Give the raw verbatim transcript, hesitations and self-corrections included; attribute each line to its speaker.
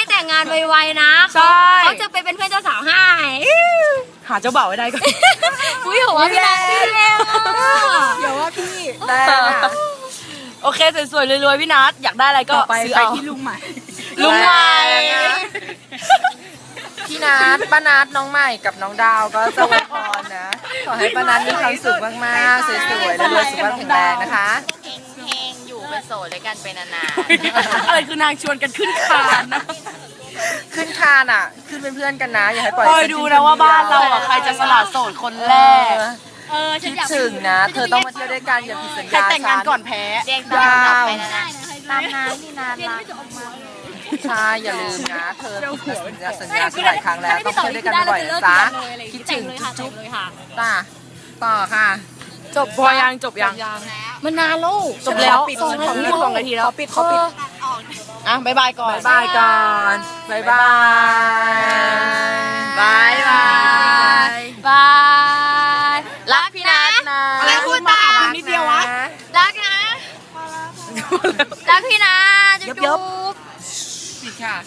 Speaker 1: แต่งงานไวๆนะเขาเขาจะไปเป็นเพื่อนเจ้าสาวให้
Speaker 2: หาเจ้าบ่าวไว้ได้ก็
Speaker 1: อุ้ยหัวพี่แดงพี่แดง
Speaker 3: อย่าว่าพี่
Speaker 2: แรงโอเคสวยๆรวยๆพี่นัทอยากได้อะไรก็ซื้อเอา
Speaker 3: ที่ลุงใหม่
Speaker 2: ลุงใหม่
Speaker 4: พี่นัทป้านัทน้องใหม่กับน้องดาวก็จะอวยพรนะขอให้ป้านัทมีความสุขมากๆสวยๆและรวยสุขภาพแข็งแรงนะคะ
Speaker 1: เฮงๆอยู่เป็นโสดเลยกันไปนาน
Speaker 2: ๆอะไรคือนางชวนกันขึ้นคานนะ
Speaker 4: ขึ้นคานอ่ะขึ้นเป็นเพื่อนกันนะอย่าให้ปล่อย
Speaker 2: คอยดูนะว่าบ้านเราอ่ะใครจะสละโสดคนแรก
Speaker 4: คิดถึงนะเธอต้องมาเที่ยวด้วยกันอย่าผิดสัญญา
Speaker 2: ใครแต่งงานก่อนแพ้
Speaker 1: เด็กตามไปนานๆตามงานนี่นานรัก
Speaker 4: ใช่อย่าลืมนะเธอสัญญาสัญญาหลายครั้งแล้วต้องเที่ยวด้วยกันบ่อยๆนะจ๊ะคิดถึงจุ๊บๆต่อต่อค่ะ
Speaker 2: จบพอยังจบยัง
Speaker 1: มันนานแล้ว
Speaker 2: จบแล้ว
Speaker 3: สองนาทีสองนาทีแล้วปิดเขาปิด
Speaker 2: อ่ะบายบายก่อน
Speaker 4: บายก่อนบายบาย
Speaker 2: บายบาย
Speaker 1: บายรักพี่นะ
Speaker 2: อะไรพูดตา
Speaker 3: นิดเดียววะ
Speaker 1: รักนะรักพี่นะจุ๊บ
Speaker 2: ปิดค่ะ